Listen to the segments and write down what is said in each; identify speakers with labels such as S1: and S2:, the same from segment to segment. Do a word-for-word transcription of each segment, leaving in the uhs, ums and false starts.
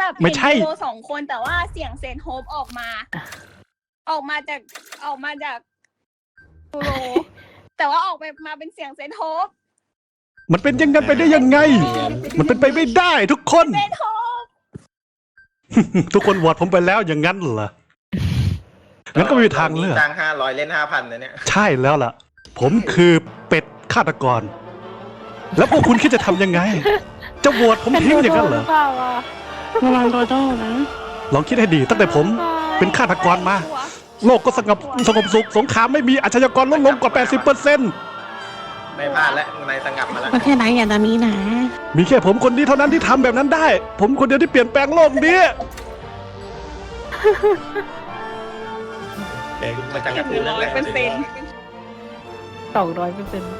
S1: แบบเห็นยูโรสองคนแต่ว่าเสียงเซนโฮปออกมา ออกมาจากออกมาจากยูโรแต่ว่าออกไปมาเป็นเสียงเซนโฮป
S2: มันเป็นยังไงไปได้ยังไง มันเป็นไปไม่ได้ทุกคน
S1: เซนโฮป
S2: ทุกคนโหวตผมไปแล้วอย่างนั้นเหรองั้นก็ไม่มีทางเลือก
S3: จ้างห้าร้อยเล่นห้าพันนะเนี่ย
S2: ใช่แล้วล่ะ ผมคือเป็ดฆาตกร แล้วพวกคุณคิดจะทำยังไง จะโหวตผมทิ้งอย่างนั้นเหรอ
S4: ระวังโดโด้นะ
S2: ลองคิดให้ดีตั้งแต่ผมเป็นฆาตกรมา โลกก็สงบสงบสุขสงครามไม่มีอาชญากรลดลงกว่า แปดสิบเปอร์เซ็นต์
S3: ไม่พลาดแล้วนายสงับมาแล้ว
S4: ก็แค่ไหนอย่าจะมีนะ
S2: มีแค่ผมคนนี้เท่านั้นที่ทำแบบนั้นได้ ผมคนเดียวที่เปลี่ยนแปลงโลกนี้
S3: เด็กมาจากการ์ตูนเรื่องแรก
S1: เป็นเซน
S4: สองร้อยเปอร์เซ็นต์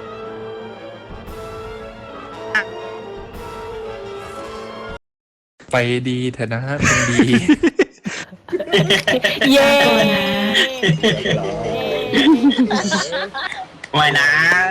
S5: ไปดีเถอะนะเป็นดี
S4: เย้
S3: ไม่นะ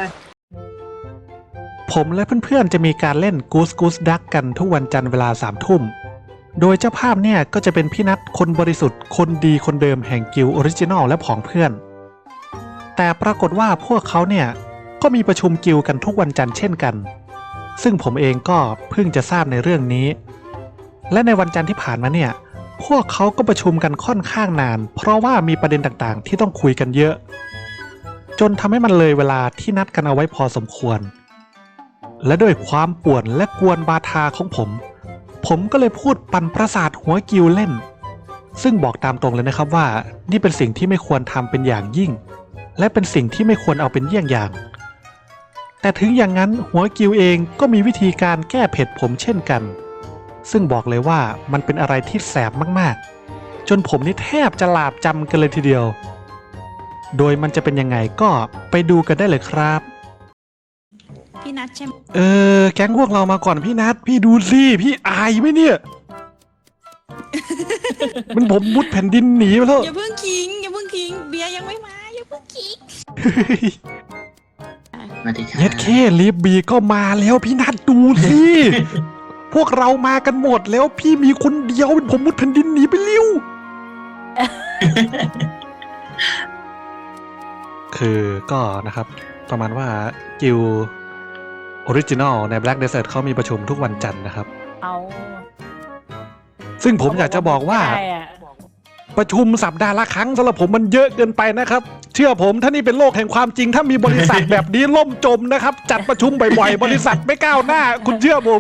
S2: ผมและเพื่อนๆจะมีการเล่น Goose Goose Duck กันทุกวันจันทร์เวลาสามทุ่ม โดยเจ้าภาพเนี่ยก็จะเป็นพี่นัทคนบริสุทธิ์คนดีคนเดิมแห่งกิลด์ออริจินอลและผองเพื่อน แต่ปรากฏว่าพวกเขาเนี่ยก็มีประชุมกิลด์กันทุกวันจันทร์เช่นกัน ซึ่งผมเองก็เพิ่งจะทราบในเรื่องนี้ และในวันจันทร์ที่ผ่านมาเนี่ยพวกเขาก็ประชุมกันค่อนข้างนาน เพราะว่ามีประเด็นต่างๆที่ต้องคุยกันเยอะ จนทำให้มันเลยเวลาที่นัดกันเอาไว้พอสมควร และด้วยความป่วนและกวนบาทาของผม ผมก็เลยพูดปั่นประสาทหัวกิวเล่น ซึ่งบอกตามตรงเลยนะครับว่านี่เป็นสิ่งที่ไม่ควรทำเป็นอย่างยิ่ง และเป็นสิ่งที่ไม่ควรเอาเป็นเยี่ยงอย่าง แต่ถึงอย่างนั้นหัวกิวเองก็มีวิธีการแก้เผ็ดผมเช่นกัน ซึ่งบอกเลยว่ามันเป็นอะไรที่แสบมากๆ จนผมนี่แทบจะหลาบจำกันเลยทีเดียว โดยมันจะเป็นยังไงก็ไปดูกันได้เลยครับ
S4: พี่นัทใช่ไหม
S2: เออแก๊งพวกเรามาก่อนพี่นัทพี่ดูสิพี่อายไหมเนี่ย มันผมมุดแผ่นดินหนีไปแล้ว
S4: อย่าเพิ่งคิงอย่าเพิ่งคิงเบียร์ยังไม่มาอย่าเพิ่งคิง
S2: เย็ดเคลีฟบีก็มาแล้วพี่นัทดูสิ พวกเรามากันหมดแล้วพี่มีคนเดียวผมมุดแผ่นดินหนีไปเร็ว คือก็นะครับประมาณว่ากิลออริจินอลใน Black Desert เขามีประชุมทุกวันจันทร์นะครับ
S4: เอา
S2: ซึ่งผมอยากจะบอกว่า
S4: ได้อะ
S2: ประชุมสัปดาห์ละครั้งสำหรับผมมันเยอะเกินไปนะครับ เชื่อผมถ้านี่เป็นโลกแห่งความจริง ถ้ามีบริษัทแบบนี้ล่มจมนะครับ จัดประชุมบ่อยๆ บริษัทไม่ก้าวหน้า คุณเชื่อผม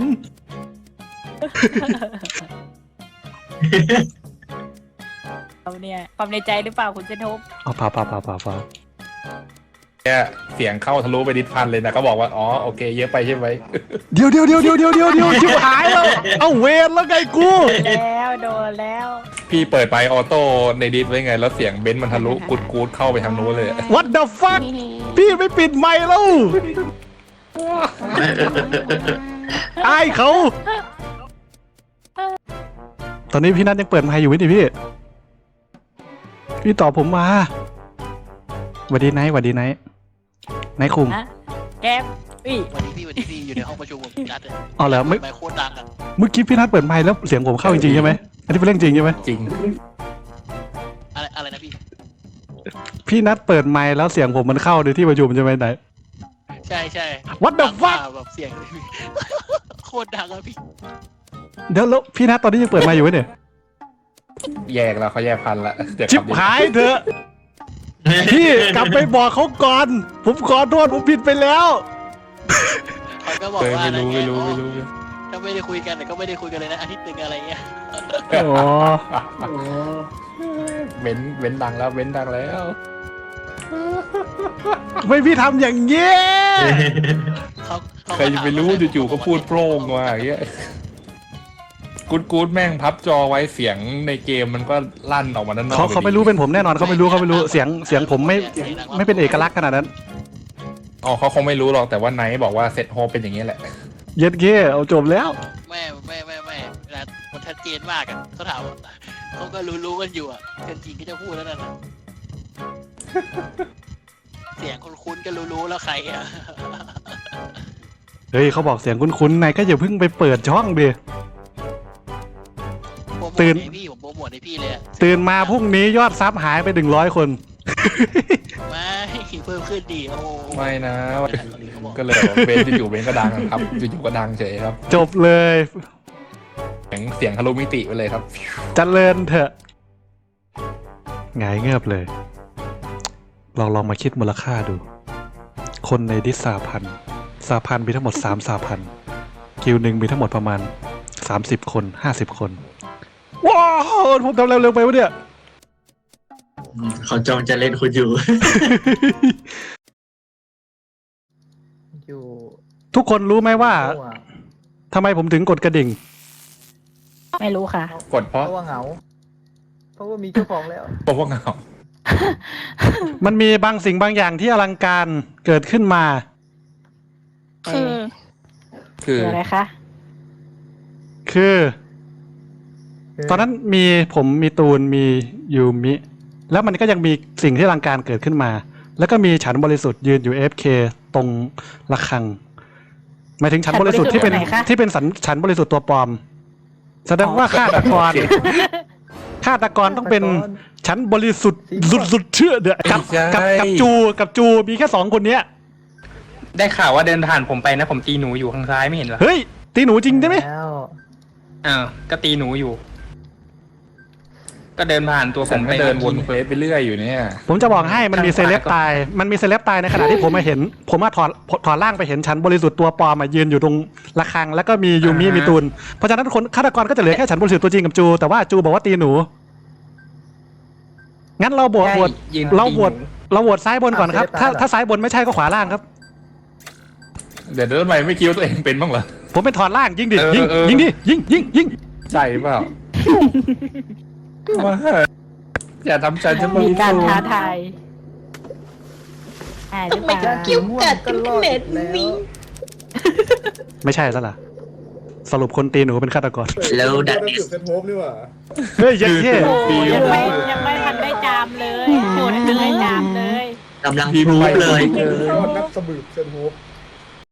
S4: เอาเนี่ยความในใจหรือเปล่าคุณเจนทบ
S2: เอาเปล่าเปล่าเปล่าเปล่าเปล่า
S5: แค่เสียงเข้าทะลุไปดิสพันเลยนะก็บอกว่าอ๋อโอเคเยอะไปใช่ไหม
S2: เดี๋ยวเดี๋ยวเดี๋ยวเดี๋ยวเดี๋ยวเดี๋ยวเดี๋ยวชิบหายแล้วเอาเวรแล้วไงกู
S4: แล้วโดนแล้ว
S5: พี่เปิดไปออโต้ในดิสไว้ไงแล้วเสียงเบนซ์มันทะลุกูดกูดเข้าไปทางนู้นเลย
S2: What the fuck พี่ไม่ปิดไมค์แล้วอายเขา ตอนนี้พี่นัทยังเปิดไมค์อยู่ไหมดิพี่ พี่ตอบผมมาหวัดดีไนท์หวัดดีไนท์ไนท์คุง
S4: นะแก๊ปอุ้ย
S6: วันนี้พี่วันนี้พี่อยู่ในห้องประชุมผมนัดเลย
S2: อ๋อเหรอไม่
S6: ไมค์โคตรดังอ่ะ
S2: เมื่อกี้พี่นัทเปิดไมค์แล้วเสียงผมเข้าจริงๆใช่ไหมอันนี้เป็นเรื่องจริงใช่ไหม
S5: จริง
S6: อะไรอะไรนะพี่
S2: พี่นัทเปิดไมค์แล้วเสียงผมมันเข้าในที่ประชุมใช่ไหมไหน
S6: ใช่ใช่
S2: What the
S6: ดัง
S2: fuck
S6: มากแบบเสียงเลยพี่ โคตรดังอะพี่
S2: เดี๋ยวแล้วพี่นัทตอนนี้ยังเปิดไมค์อยู่ไหมเนี่ย
S5: แยกแล้วเขาแยกพันละเดี๋ยว
S2: ชิบ
S5: ขัดิส
S2: หายเถอะ พี่กลับไปบอกเขาก่อน ผมขอโทษผมผิดไปแล้ว
S6: เขาก็บอก
S5: เออ
S6: ว่า
S5: ไม่
S6: อะไร
S5: รู้
S6: เงี้
S5: ไม่
S6: ย
S5: รู้
S6: อ๋อ
S5: ไม่รู้
S6: ถ้าไม่ได้คุยกันแต่ก็ไม่ได้คุยกันเลยนะอาทิตย์หนึ่งอะไรเงี้ย
S2: อ๋อ
S5: เบนซ์เบนซ์ดังแล้วเบนซ์ดังแล้ว
S2: ไม่พี่ทำอย่างเงี้ย
S6: เขาเขา
S5: ใครจะไปรู้จู่ๆก็พูดโพร่งมาอย่างเงี้ยกูดกูดแม่งพับจอไว้เสียงในเกมมันก็ลั่นออกมาด้านนอก
S2: เขาเขาไม่รู้เป็นผมแน่นอนเขาไม่รู้เขาไม่รู้เสียงเสียงผมไม่ไม่เป็นเอกลักษณ์ขนาดนั้น
S5: อ๋อเขาคงไม่รู้หรอกแต่ว่าไนท์บอกว่าเซตโฮเป็นอย่างนี้แหละ
S2: เย็ดเก้เอาจบแล้ว
S6: ไม่ไม่ไม่ไม่เวลามันชัดเจนมากอะเขาถามว่าเขาก็รู้รู้กันอยู่อะเจนจริงก็จะพูดแล้วนั่นนะเสียงคุ้นๆก็รู้รู้แล้วใครอะ
S2: เฮ้ยเขาบอกเสียงคุ้นๆนายก็อย่าเพิ่งไปเปิดช่องดิ
S6: โปรโมท
S2: ตื่น
S6: ให้พี่ผมโปรโมทให้พี่เลยอะ
S2: ตื่นมาพรุ่งนี้ยอดซับหายไปหนึ่งร้อยคน
S6: ไม่เพิ่มขึ้นดีโอ้
S5: ไม่นะ ก็เลยแบบเบนอยู่ๆเบนก็ดังครับอยู่ๆก็ดังเฉยครับ
S2: จบเลย
S5: เสียงเสียงทะลุมิติไปเลยครับ
S2: เจริญเถอะหงายเงือบเลย ลองลองมาคิดมูลค่าดู คนในดิสสาพันธ์สาพันธ์มีทั้งหมดสามสาพันธ์กิลด์หนึ่งมีทั้งหมดประมาณสามสิบคนห้าสิบคน ว้าวผมทำเร็วๆไปวะเนี่ย
S7: เขาจองจะเล่นคุณอยู่
S8: อยู่
S2: ทุกคนรู้ไหมว่า
S8: เพราะว่า
S2: ทำไมผมถึงกดกระดิ่ง
S4: ไม่รู้ค่ะ
S5: กดเพราะ
S8: เพราะว่าเหงา เพราะว่ามีเจ้าของแล้ว
S5: เพราะว่าเหงา
S2: มันมีบางสิ่งบางอย่างที่อลังการเกิดขึ้นมา
S1: คือ
S5: คือ
S4: คืออะไรคะ
S2: คือ ตอนนั้นมีผมมีตูนมียูมิ แล้วมันก็ยังมีสิ่งที่อลังการเกิดขึ้นมา แล้วก็มีฉันบริสุทธิ์ยืนอยู่ เอฟ เค ตรงระฆังหมายถึงฉันบริสุทธิ์ที่เป็นที่เป็นสันฉันบริสุทธิ์ตัวปลอม แสดงว่าฆาตกรฆาตกรต้องเป็นฉันบริสุทธิ์สุดๆเชื่อเดือกับกับกับจูกับจูมีแค่สองคนเนี้ย
S9: ได้ข่าวว่าเดินผ่านผมไปนะผมตีหนูอยู่ข้างซ้ายไม่เห็นเหรอ
S2: เฮ้ยตีหนูจริงใช่ไหม
S8: แล้ว
S9: อ้าวก็ตีหนูอยู่ ก็เดินผ่านตัวผ
S5: ฉัน
S9: ม
S5: ก็
S9: ไป
S5: เดินวน
S9: มื่อ
S5: เฟ
S9: กี้
S5: สไปเรื่อยอยู่เนี่ย
S2: ผมจะบอกให้มันมีเซเลบตายมันมีเซเลบตายในขณะที่ผมมาเห็น ผมมาถอดถอดร่างไปเห็นฉันบริสุทธิ์ตัวปลอมมายืนอยู่ตรงระฆังแล้วก็มียูมิมีตูนเพราะฉะนั้นคนฆาตกรก็จะเหลือแค่ฉันบริสุทธิ์ตัวจริงกับจูแต่ว่าจูบอกว่าตีหนูงั้นเราโหวตโหวต
S9: ยืน
S2: เรา
S9: ตี
S2: โหวต
S9: นู
S2: เราโหวตซ้ายบนก่อนครับถ้าถ้าซ้ายบนไม่ใช่ก็ขวาล่างครับ
S5: เดี๋ยวเดินไปไม่คิดว่าตัวเองเป็นบ้างเหรอ
S2: ผมเป็นถอดล่างยิงดิ
S5: เออ
S2: ยิง
S5: เออ
S2: ยิงดิยิงยิงยิง
S5: ใจเปล่าว่าอย่าทำใจจะ
S4: มีการท้าทายอ่าหรือเปล่า
S8: กิ้วกัดกันเน็ตนี้
S2: ไม่ใช่ซะละสรุปคนตีหนูเป็นฆาตกร
S7: แล้วดัดเนส
S2: เฮ้ยเยัดเท่
S4: โอ้ยยังไม่ยังไม่ทันได้จามเลยโหดยังไม่ได้จามเลย
S7: กำลังพรูฟเลย
S5: เออ
S10: นักสมืบเซนโฮป